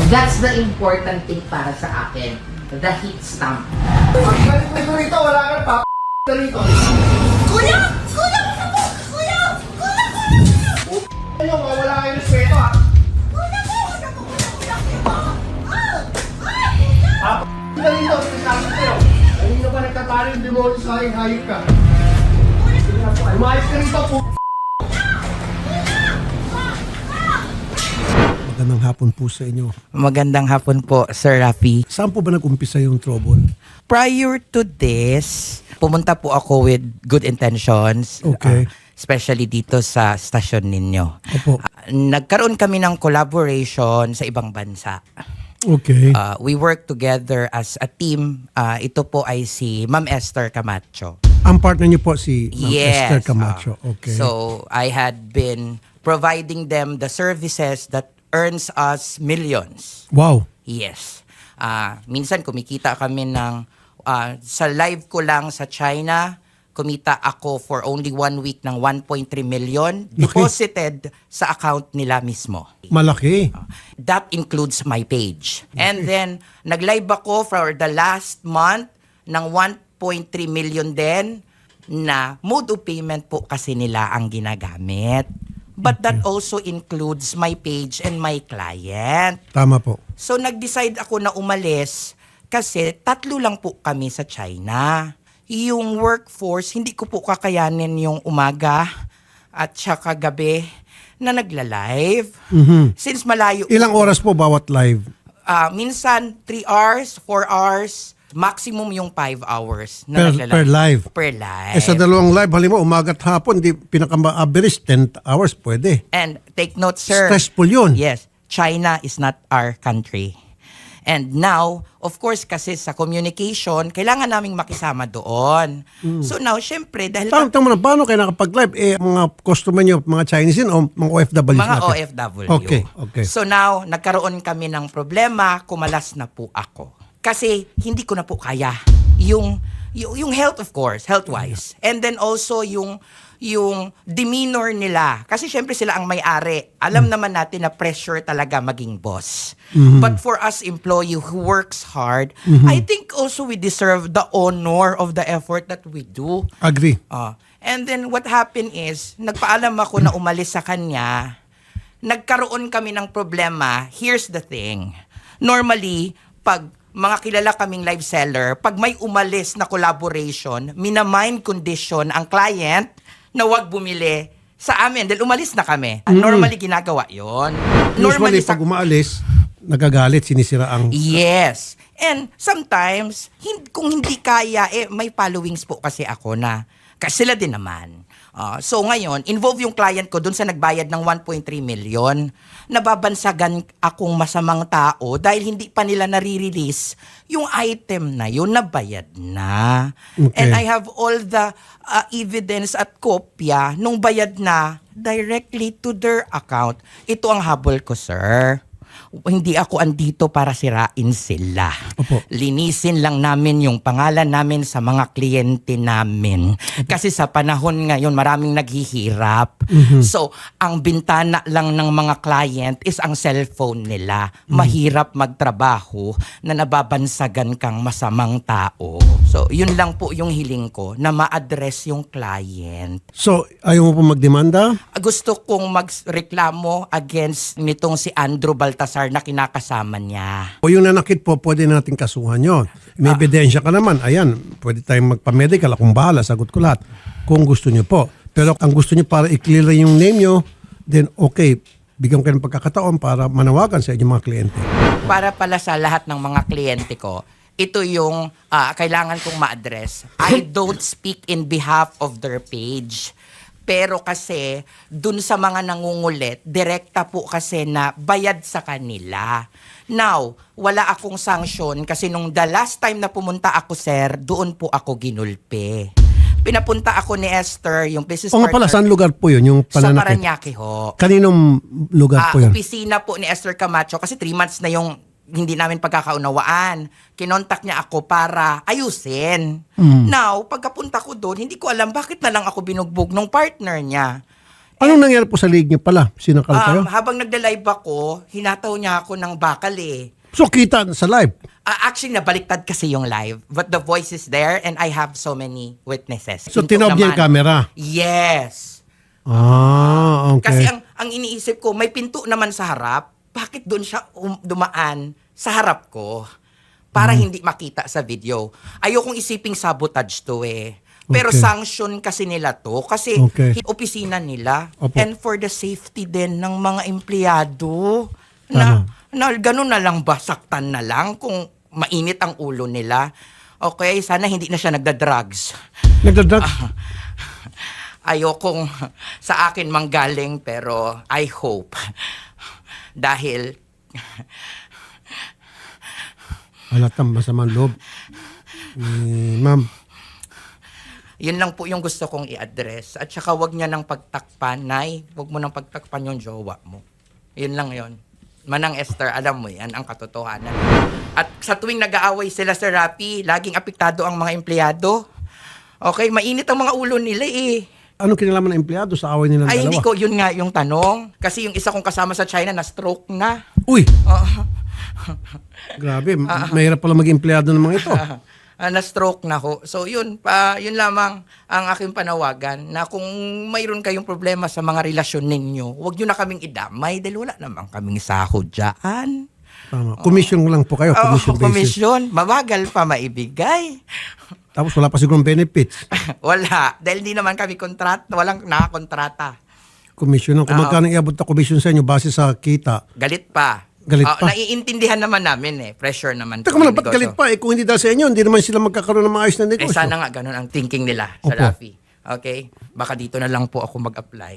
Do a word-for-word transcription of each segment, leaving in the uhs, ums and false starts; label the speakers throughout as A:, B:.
A: That's the important thing para sa akin. The heat stamp.
B: Ang galing mo rito, wala ka pa na rito.
C: Kuya! Kuya! Kuya! Kuya! Kuya! Kuya!
B: Ano, wala kayo respeto ha.
C: Kuya ko! Kuya ko! Kuya! Kuya! Kuya! Ah! Ah!
B: Ha? P*** na rito, sinasabi kayo. Ayun na ba nagtatalo yung demonyo sa aking hayop ka? Umayos ka rito, p***.
D: Magandang hapon po sa inyo.
A: Magandang hapon po, Sir Rafi.
D: Saan po ba nag-umpisa yung trouble?
A: Prior to this, pumunta po ako with good intentions.
D: Okay.
A: uh, especially dito sa stasyon ninyo.
D: Opo.
A: Uh, nagkaroon kami ng collaboration sa ibang bansa.
D: Okay.
A: Uh, we work together as a team. Uh, ito po ay si Ma'am Esther Camacho.
D: Ang partner niyo po si Ma'am
A: Yes.
D: Esther Camacho.
A: uh,
D: Okay.
A: So, I had been providing them the services that earns us millions.
D: Wow.
A: Yes. Ah, minsan kumikita kami ng ah, sa live ko lang sa China, kumita ako for only one week ng one point three million deposited sa account nila mismo.
D: Malaki.
A: That includes my page. And then nag-live ako for the last month ng one point three million din na mode of payment po kasi nila ang ginagamit. But that also includes my page and my client.
D: Tama po.
A: So nag-decide ako na umalis kasi tatlo lang po kami sa China. Yung workforce, hindi ko po kakayanin yung umaga at saka gabi na nagla-live.
D: Mhm.
A: Since malayo,
D: Ilang oras po bawat live?
A: ah, minsan three hours, four hours, maximum yung five hours na
D: Per,
A: nagla-live.
D: per live.
A: Per live.
D: Eh sa dalawang live, halimbawa umaga at hapon, di pinaka-average ten hours pwede.
A: And take note, sir.
D: Stressful yun.
A: Yes, China is not our country. And now, of course, kasi sa communication, kailangan naming makisama doon. So now, syempre, dahil
D: Tanong tanong mo na, paano kayo nakapag-live? Eh, mga customer niyo, mga Chinese yun o mga O F W
A: mga
D: natin?
A: O F W.
D: Okay, okay.
A: So now, nagkaroon kami ng problema, kumalas na po ako. Kasi hindi ko na po kaya yung yung, yung health, of course, health-wise. And then also yung yung demeanor nila. Kasi syempre sila ang may-ari. Alam
D: Mm.
A: naman natin na pressure talaga maging boss.
D: Mm-hmm.
A: But for us employee who works hard, I think also we deserve the honor of the effort that we do.
D: Agree.
A: Ah, and then what happened is, nagpaalam ako na umalis sa kanya. Nagkaroon kami ng problema. Here's the thing. Normally, pag mga kilala kaming live seller, pag may umalis na collaboration, minamind condition ang client na wag bumili sa amin dahil umalis na kami. Normally, ginagawa yon.
D: Usually,
A: sa
D: pag umaalis, nagagalit, sinisira ang...
A: Yes. And sometimes, hin- kung hindi kaya, eh, may followings po kasi ako na, kasi sila din naman. Ah, so ngayon, involve yung client ko dun sa nagbayad ng one point three million. Nababansagan akong masamang tao dahil hindi pa nila nare-release yung item na yun na bayad na.
D: Okay.
A: And I have all the ah, evidence at kopya nung bayad na directly to their account. Ito ang habol ko, sir. Hindi ako andito para sirain sila.
D: Opo.
A: Linisin lang namin yung pangalan namin sa mga kliyente namin. Kasi sa panahon ngayon, maraming naghihirap. So, ang bintana lang ng mga client is ang cellphone nila. Mahirap magtrabaho na nababansagan kang masamang tao. So, yun lang po yung hiling ko, na ma-address yung client.
D: So, ayaw mo po magdemanda?
A: Gusto kong magreklamo against nitong si Andrew Baltasar na kinakasama niya.
D: O yung nanakit po, pwede natin kasuhan yun. May ebidensya ka naman. Ayan, pwede tayong magpa-medical. Akong bahala, sagot ko lahat. Kung gusto nyo po. Pero ang gusto nyo para i-clear yung name nyo, then okay, bigyan ko kayo ng pagkakataon para manawagan sa inyong mga kliyente.
A: Para pala sa lahat ng mga kliyente ko, ito yung ah, kailangan kong ma-address. I don't speak in behalf of their page. Pero kasi, dun sa mga nangungulit, direkta po kasi na bayad sa kanila. Now, wala akong sanction kasi nung the last time na pumunta ako, sir, doon po ako ginulpe. Pinapunta ako ni Esther, yung business
D: O nga pala,
A: partner,
D: saan lugar po yun, yung
A: sa
D: pananakit?
A: Paranaque ho.
D: Kaninong lugar
A: Ah,
D: po yun?
A: opisina po ni Esther Camacho kasi three months na yung hindi namin pagkakaunawaan. Kinontak niya ako para ayusin.
D: Mm.
A: Now, pagkapunta ko doon, hindi ko alam bakit na lang ako binugbog ng partner niya.
D: Anong nangyari po sa league niyo pala? Sinakal kayo?
A: Um, habang nagda-live ako, hinataw niya ako ng bakal eh.
D: So kita sa live.
A: Ah, actually, nabaliktad kasi yung live. But the voice is there and I have so many witnesses.
D: So
A: Pinto
D: tinob niya yung
A: naman.
D: camera.
A: Yes.
D: Ah, okay.
A: Kasi ang, ang iniisip ko, may pinto naman sa harap. Bakit doon siya um- dumaan sa harap ko? Para
D: Hmm.
A: hindi makita sa video. Ayokong isiping sabotage to eh. Pero
D: Okay.
A: sanction kasi nila to. Kasi
D: Okay.
A: hi- opisina nila.
D: Opo.
A: And for the safety din ng mga empleyado. Na, na ganun na lang ba? Saktan na lang kung mainit ang ulo nila. Okay, sana hindi na siya nagda-drugs.
D: Nagdadrugs?
A: Ayokong sa akin manggaling pero I hope. Dahil
D: Halatang masamang loob. Eh, ma'am,
A: yun lang po yung gusto kong i-address. At saka wag niya nang pagtakpan, Nay. Wag mo nang pagtakpan yung jowa mo. Yun lang yun. Manang Esther, alam mo yan, ang katotohanan. At sa tuwing nag-aaway sila sa Rappi, laging apektado ang mga empleyado. Okay, mainit ang mga ulo nila eh.
D: anong kinalaman ng empleyado sa away nilang
A: Ay,
D: dalawa?
A: hindi ko, yun nga yung tanong. Kasi yung isa kong kasama sa China na stroke na.
D: Uy,
A: Oo.
D: grabe. Mahirap pala maging empleyado ng mga ito.
A: Ah, na-stroke na ho. So yun, pa, yun lamang ang aking panawagan na kung mayroon kayong problema sa mga relasyon ninyo, huwag nyo na kaming idamay dahil wala naman kaming sahod dyan.
D: Tama. Commission lang po kayo.
A: Oo,
D: Commission basis.
A: komisyon. Mabagal pa maibigay.
D: Tapos wala pa sigurong benefits.
A: Wala. Dahil di naman kami kontrat, walang nakakontrata.
D: Commission lang. Kung
A: Oo.
D: magkano iabot na commission sa inyo base sa kita.
A: Galit pa.
D: Galit
A: Ah,
D: pa?
A: Naiintindihan naman namin eh. Pressure naman.
D: Teka
A: po
D: mo
A: ng
D: lang, ba't
A: negosyo.
D: galit pa? Eh, kung hindi dahil sa inyo, hindi naman sila magkakaroon ng maayos na
A: Eh
D: negosyo.
A: sana nga ganun ang thinking nila sa
D: Opo.
A: Rafi. Okay? Baka dito na lang po ako mag-apply.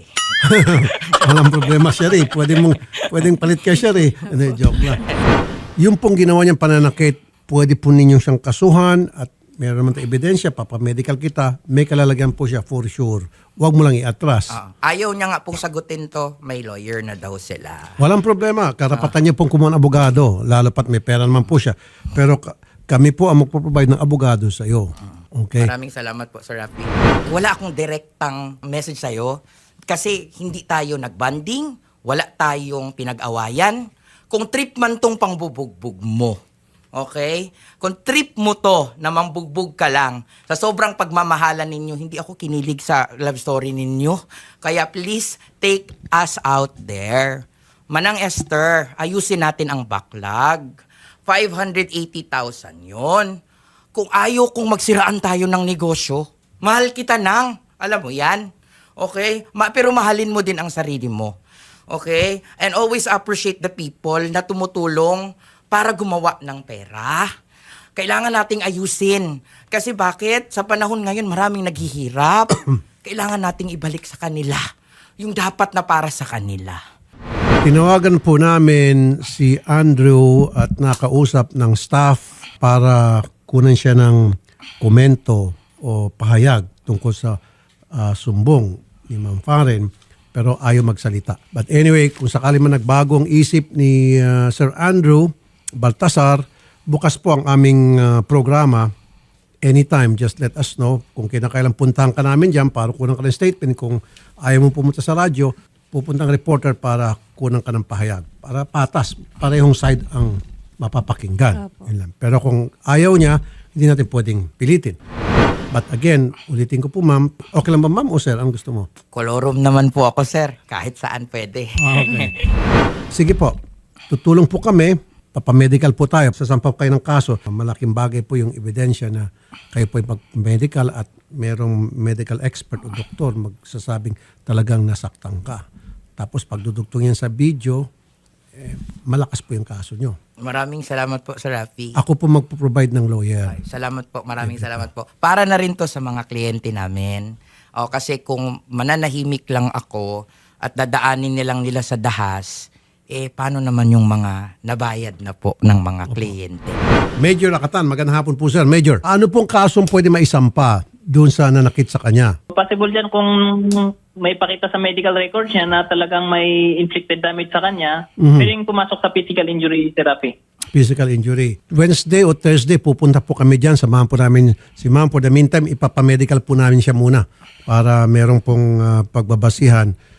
D: Walang problema siya rin. Pwede mong, pwedeng palit ka siya rin. Hindi, joke lang. Yung pong ginawa niyang pananakit, pwede po ninyong siyang kasuhan at meron naman tayong ebidensya, papamedical kita, may kalalagyan po siya for sure. Huwag mo lang iatras.
A: Ah, ayaw niya nga pong sagutin to, may lawyer na daw sila.
D: Walang problema. Karapatan niya pong kumuha ng abogado, lalo pat may pera naman po siya. Pero ka- kami po ang magpo-provide ng abogado sa iyo. Okay?
A: Maraming salamat po, Sir Rafi. Wala akong direktang message sa'yo kasi hindi tayo nagbanding, wala tayong pinag-awayan. Kung trip man tong pangbubugbog mo, okay? Kung trip mo to na mambugbog ka lang, sa sobrang pagmamahalan ninyo, hindi ako kinilig sa love story ninyo. Kaya please, take us out there. Manang Esther, ayusin natin ang backlog. five hundred eighty thousand yon. Kung ayaw kong magsiraan tayo ng negosyo, mahal kita nang. Alam mo yan? Okay? Ma- pero mahalin mo din ang sarili mo. Okay? And always appreciate the people na tumutulong para gumawa ng pera. Kailangan nating ayusin. Kasi bakit? Sa panahon ngayon, maraming naghihirap. Kailangan nating ibalik sa kanila yung dapat na para sa kanila.
D: Tinawagan po namin si Andrew at nakausap ng staff para kunan siya ng komento o pahayag tungkol sa ah, sumbong ni Ma'am Faren, pero ayaw magsalita. But anyway, kung sakali man nagbago ang isip ni ah, Sir Andrew Baltasar, bukas po ang aming ah, programa. Anytime, just let us know. Kung kinakailang puntahan ka namin dyan para kunan ka ng statement. Kung ayaw mo pumunta sa radyo, pupuntang reporter para kunan ka ng pahayag. Para patas, parehong side ang mapapakinggan. Yun lang. Pero kung ayaw niya, hindi natin pwedeng pilitin. But again, ulitin ko po ma'am, okay lang ba ma'am o sir? Ang gusto mo?
A: Kolorum naman po ako, sir. Kahit saan pwede.
D: Okay. Sige po, tutulong po kami, papamedical po tayo, sasampaw kayo ng kaso. Malaking bagay po yung ebidensya na kayo po yung medical at merong medical expert o doktor magsasabing talagang nasaktan ka. Tapos pagdudugtong yan sa video, eh, malakas po yung kaso nyo.
A: Maraming salamat po, Sir Rafi.
D: Ako po magpo-provide ng lawyer.
A: Salamat po, maraming salamat po. Para na rin to sa mga kliyente namin. O, kasi kung mananahimik lang ako at dadaanin nilang nila sa dahas, eh paano naman yung mga nabayad na po ng mga kliyente?
D: Major Lakatan, magandang hapon po sir. Major, ano pong kasong pwede maisampa doon sa nanakit sa kanya?
E: Possible dyan kung may pakita sa medical records niya na talagang may inflicted damage sa kanya,
D: Mhm.
E: pwedeng pumasok sa physical injury therapy.
D: Physical injury. Wednesday o Thursday, pupunta po kami dyan. Samahan po namin si ma'am. For the meantime, ipapamedical po namin siya muna para merong pong ah, pagbabasihan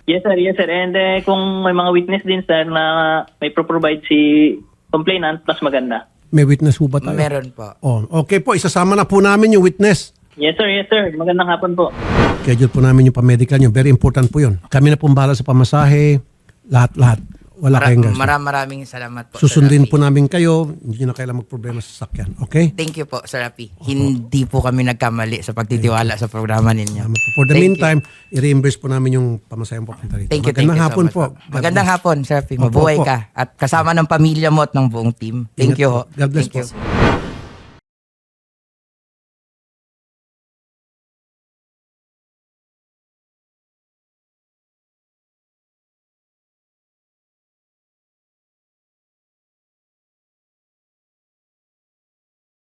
E: Yes sir, yes sir. And eh, kung may mga witness din sir na may pro-provide si complainant, mas maganda.
D: May witness po ba tayo?
A: Meron po.
D: Oh, okay po, isasama na po namin yung witness.
E: Yes sir, yes sir. Magandang hapon po.
D: Schedule po namin yung pa-medical nyo. Very important po yun. Kami na pong bahala sa pamasahe, lahat-lahat. Wala
A: Mara-
D: kayong gas.
A: maram- maraming salamat po.
D: Susundin
A: Sir
D: po
A: Rafi.
D: namin kayo. Hindi na kailangan magproblema sa sakyan. Okay?
A: Thank you po, Sir Rafi. Hindi po kami nagkamali sa pagtitiwala sa programa ninyo.
D: Salamat po. For the
A: Thank you.
D: meantime, i-reimburse po namin yung pamasaheng papunta rito.
A: Thank you, thank
D: Magandang
A: you so
D: hapon
A: much
D: po. God
A: Magandang
D: bless.
A: hapon, Sir Rafi.
D: Opo,
A: Mabuhay
D: opo.
A: ka. At kasama ng pamilya mo at ng buong team. Thank
D: Ingat
A: you.
D: po.
A: ho.
D: God bless
A: Thank
D: po.
A: you.